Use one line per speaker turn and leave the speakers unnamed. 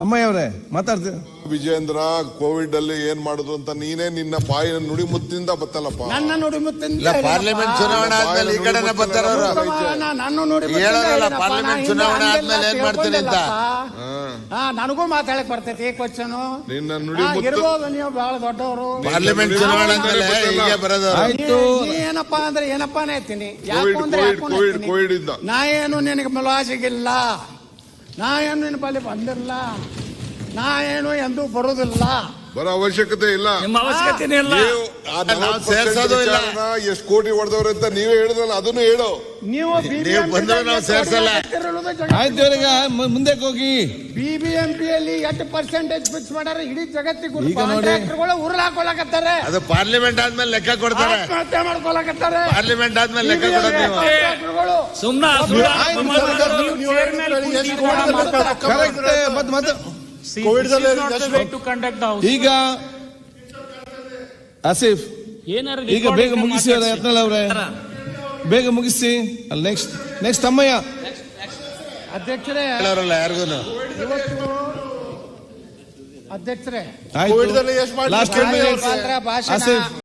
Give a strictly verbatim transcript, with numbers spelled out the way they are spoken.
ಅಮ್ಮಯ್ಯ ಅವರೇ ಮಾತಾಡ್ತೀವಿ.
ವಿಜೇಂದ್ರ ಕೋವಿಡ್ ಅಲ್ಲಿ ಏನ್ ಮಾಡುದು ಅಂತ ನೀನೇ ನಿನ್ನ ಬಾಯಿನ ನುಡಿ ಮುತ್ತಿಂದ ಬತ್ತಲ್ಲಪ್ಪ.
ನನ್ನ ನುಡಿ ಮುತ್ತಿಂದ
ಪಾರ್ಲಿಮೆಂಟ್ ಚುನಾವಣೆ ಆದ್ಮೇಲೆ ಈ ಕಡೆನೆ ಬರ್ತಾರವ್ರು. ಹೇಳೋರಲ್ಲ ಪಾರ್ಲಿಮೆಂಟ್ ಚುನಾವಣೆ ಆದ್ಮೇಲೆ ಏನ್ ಮಾಡ್ತೀನಿ ಅಂತ.
ಹಾ ನನಗೂ ಮಾತಾಡಕ್ ಬರ್ತೈತಿ ಕ್ವಶನ್.
ನಿನ್ನ ನುಡಿ
ಇರ್ಬೋದು, ನೀವು ಬಹಳ ದೊಡ್ಡವರು.
ಪಾರ್ಲಿಮೆಂಟ್ ಚುನಾವಣೆ ಆದ್ಮೇಲೆ ಹೀಗೆ ಬರೋದು.
ಏನಪ್ಪಾ ಅಂದ್ರೆ ಏನಪ್ಪಾನೇ ಹೇಳ್ತೀನಿ.
ಕೋವಿಡ್ ಇಂದ
ನಾ ಏನು ನಿನಗೆ ಮೆಲುವಾಸಿಗಿಲ್ಲ, ನಾ ಏನು ನಿನ್ನ ಬಳಿ ಬಂದಿಲ್ಲ, ನಾ ಏನು ಎಂದೂ ಬರುದಿಲ್ಲ,
ಬರೋ ಅವಶ್ಯಕತೆ ಇಲ್ಲ.
ನಿಮ್ಮ ಅವಶ್ಯಕತೆ ಇಲ್ಲ.
ಸೇರ್ಸೋದು ಇಲ್ಲ.
ಎಷ್ಟು ಕೋಟಿ ಹೊಡೆದವ್ರೆ ಅಂತ ನೀವೇ ಹೇಳಿದ್ರಲ್ಲ, ಅದನ್ನು ಹೇಳು.
ನೀವು
ಬಂದ್ರೆ ನಾವು ಸೇರ್ಸಲ್ಲ.
ಆಯ್ತು ಈಗ ಮುಂದೆ ಹೋಗಿ.
ಬಿಬಿಎಂಪಿಯಲ್ಲಿ ಎಷ್ಟು ಪರ್ಸೆಂಟೇಜ್ ಫಿಕ್ಸ್ ಮಾಡ್ಯಾರ ಇಡೀ ಜಗತ್ತಿಗೆ.
ಈಗ ನೋಡಿ
ಉರುಳು ಹಾಕೊಳಕತ್ತಾರೆ.
ಅದು ಪಾರ್ಲಿಮೆಂಟ್ ಆದ್ಮೇಲೆ ಲೆಕ್ಕ ಕೊಡ್ತಾರೆ.
ಆತ್ಮಹತ್ಯೆ ಮಾಡ್ಕೊಳಕತ್ತಾರೆ.
ಪಾರ್ಲಿಮೆಂಟ್ ಆದ್ಮೇಲೆ ಲೆಕ್ಕ ಕೊಡೋದು ನೀವು.
ಈಗ ಆಸಿಫ್ ಈಗ ಬೇಗ ಮುಗಿಸಿ ಯತ್ನಾಳ್ ಅವರೇ, ಬೇಗ ಮುಗಿಸಿ. ಅಲ್ಲಿ ನೆಕ್ಸ್ಟ್ ನೆಕ್ಸ್ಟ್ ಅಮ್ಮಯ್ಯ.
ಅಧ್ಯಕ್ಷರೇ
ಯಾರಿಗೂ
ಅಧ್ಯಕ್ಷರೇ
ಆಯ್ತು ಲಾಸ್ಟ್
ಭಾಷಣ